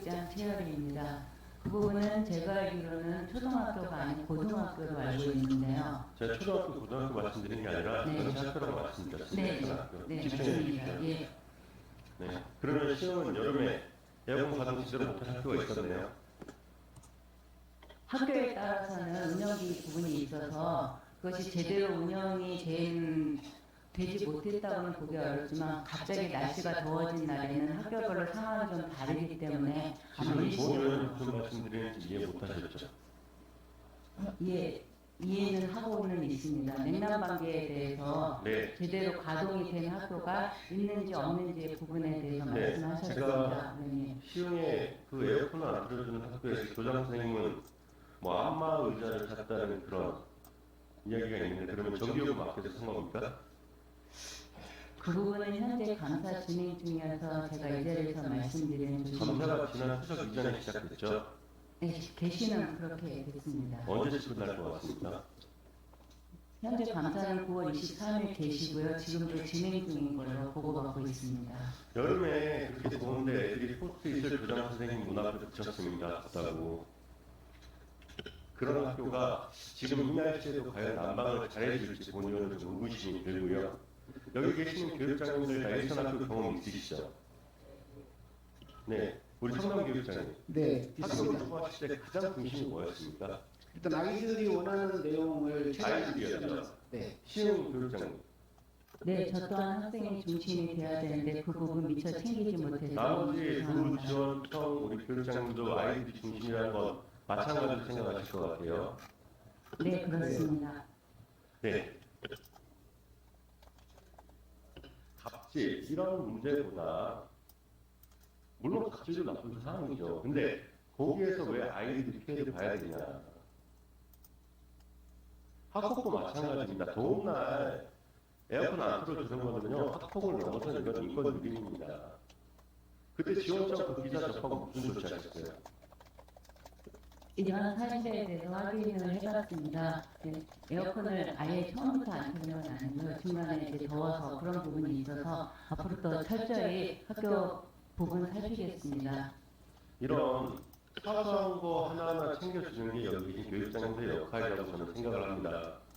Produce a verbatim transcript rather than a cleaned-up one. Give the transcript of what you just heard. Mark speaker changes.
Speaker 1: 입장 최열희입니다. 그 부분은 제가 알기로는 초등학교가 아닌 고등학교로 알고 있는데요.
Speaker 2: 제가 초등학교, 고등학교 말씀드린 게 아니라
Speaker 1: 네.
Speaker 2: 전체 학교라고 말씀드렸습니다.
Speaker 1: 네,
Speaker 2: 초등학교.
Speaker 1: 네,
Speaker 2: 집중해
Speaker 1: 맞습니다.
Speaker 2: 주십시오.
Speaker 1: 예.
Speaker 2: 네. 그러면 시험은 여름에 에어컨 가동 제대로 못한 학교가 있었네요.
Speaker 1: 학교에 따라서는 운영비 부분이 있어서 그것이 제대로 운영이 된, 되지 못했다고는 보기 어렵지만 갑자기 날씨가 더워진 날에는 학교별로 상황이 좀 다르기 때문에 아마
Speaker 2: 지금
Speaker 1: 일시적으로
Speaker 2: 보면 무슨 말씀드리는지 이해 못하셨죠?
Speaker 1: 예, 이해는 하고는 있습니다. 냉난방계에 대해서
Speaker 2: 네.
Speaker 1: 제대로 가동이 된 학교가 있는지 없는지의 부분에 대해서
Speaker 2: 네,
Speaker 1: 말씀하셨습니다.
Speaker 2: 제가
Speaker 1: 네.
Speaker 2: 시흥에 그 에어컨을 안 틀어주는 학교에서 교장 선생님은 뭐 안마 의자를 샀다는 그런 이야기가 있는데 그러면 전기요금 아껴서 산 겁니까?
Speaker 1: 그 부분은 현재 감사 진행 중이어서 제가 이 자리에서 말씀드리는 조치입니다.
Speaker 2: 감사가 지난 추석 이전에 시작됐죠?
Speaker 1: 네, 개시는 그렇게 됐습니다.
Speaker 2: 언제쯤 끝날 것 같습니다.
Speaker 1: 현재 감사는 구월 이십삼일 개시고요. 지금도 진행 중인 걸로 보고받고 있습니다.
Speaker 2: 여름에 그렇게 더운데 애들이 포스트잇을 교장 선생님 문 앞에 붙였습니다. 덥다고. 그런 학교가 지금 이 날씨에도 과연 난방을 잘해줄지 본인은 좀 의구심이 들고요. 여기 계시는 교육장님들 다 일선 학교 경험 있으시죠? 네, 우리 성남 교육장님.
Speaker 3: 네,
Speaker 2: 학교
Speaker 3: 있습니다.
Speaker 2: 공부하실 때 가장 중심이 뭐였습니까?
Speaker 3: 일단 아이들이 원하는 내용을
Speaker 2: 아이들이었죠.
Speaker 3: 네,
Speaker 2: 시흥 교육장님.
Speaker 1: 네, 저 또한 학생의 중심이 되어야 되는데 그 부분 미처 챙기지 못해서
Speaker 2: 나머지
Speaker 1: 죄송합니다.
Speaker 2: 조지원청 우리 교육장님도 아이들이 중심이라는 건 마찬가지로 생각하실 것 같아요.
Speaker 1: 네, 그렇습니다.
Speaker 2: 네. 갑질 이런 문제보다 물론 갑질도 나쁜 상황이죠. 근데 거기에서 왜 아이들이 피해를 봐야 되냐? 학폭도 마찬가지입니다. 더운 날 에어컨 안 틀어주는 거는요 학폭을 넘어서는 이건 인권 유린입니다. 그때 지원청 그 기사 접하고 무슨 조치 하셨어요?
Speaker 1: 이러한 사실에 대해서 확인을 해봤습니다. 네, 에어컨을 아예 처음부터 안 켜는 건 아니고요. 중간에 이제 더워서 그런 부분이 있어서 앞으로 더 철저히 학교 부분 살피겠습니다.
Speaker 2: 이런 사소한 거 하나하나 챙겨주는 게 여기 계신 교육장님들의 역할이라고 저는 생각을 합니다.